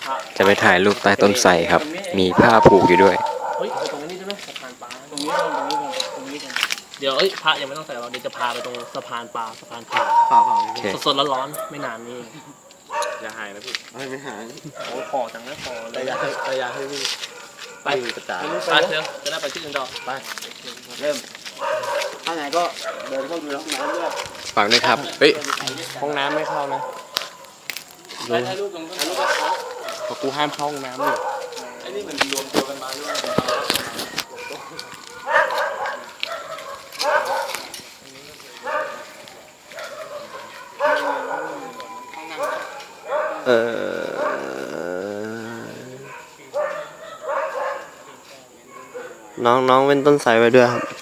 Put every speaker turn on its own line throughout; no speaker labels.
จะไปถ่ายรูปใต้ต้นไทรครับ มีผ้าผูกอยู่ด้วย
เฮ้ยไปตรงนี้ได้ไหมสะพานปลาตรงนี้ก่อนตรงนี้ก่อนเดี๋ยวพระยังไม่ต้องใส่เราเดี๋ยวจะพาไปตรงสะพานปลาสะพานขาว สดๆร้อนๆไม่นานนี้อย่าหายนะพี่ไม่หายโอ้พอจังนะพอเลยระยะให้พี่ไปกระจายไปเถอะจะได้ไปที่อื่นต่อไปเริ่มถ้าไงก็เดินเข้าดูห้องน้ำด้วย
ฝากด้วยครับ เฮ้ย
ห้องน้ำไม่เข้านะ
ไปถ่ายรูปตรงถ่ายรูปกับเขา
เพราะกูห้ามเข้าห้องน้ำอยู่
ไอ้นี่มันรวมตัวกันมาหรือเปล่า
น้องเป็นต้นไทรไว้ด้วยครับ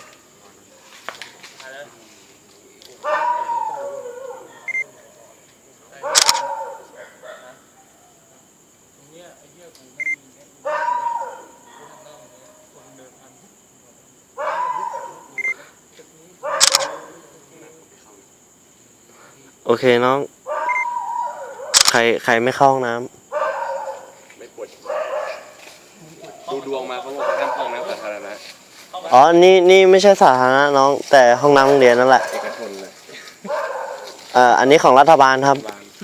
โอเคน้องใครไม่เข้าห้องน้ำ
ไม่ปวดดูดวงมาเขาบอกห้ามเข้าห้องน้ำสาธารณะ
อ๋อนี่ไม่ใช่สาธารณะน้องแต่ห้องน้ำโรงเรียนนั่นแหละ
เอกชนเลย
อันนี้ของรัฐบาลครับ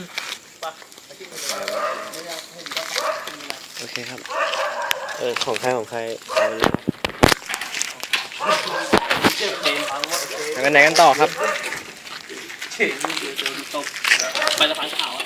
โอเคครับของใครเอาไปเลย
ไปไหนกันต่อครับ
ไปสะพานขาว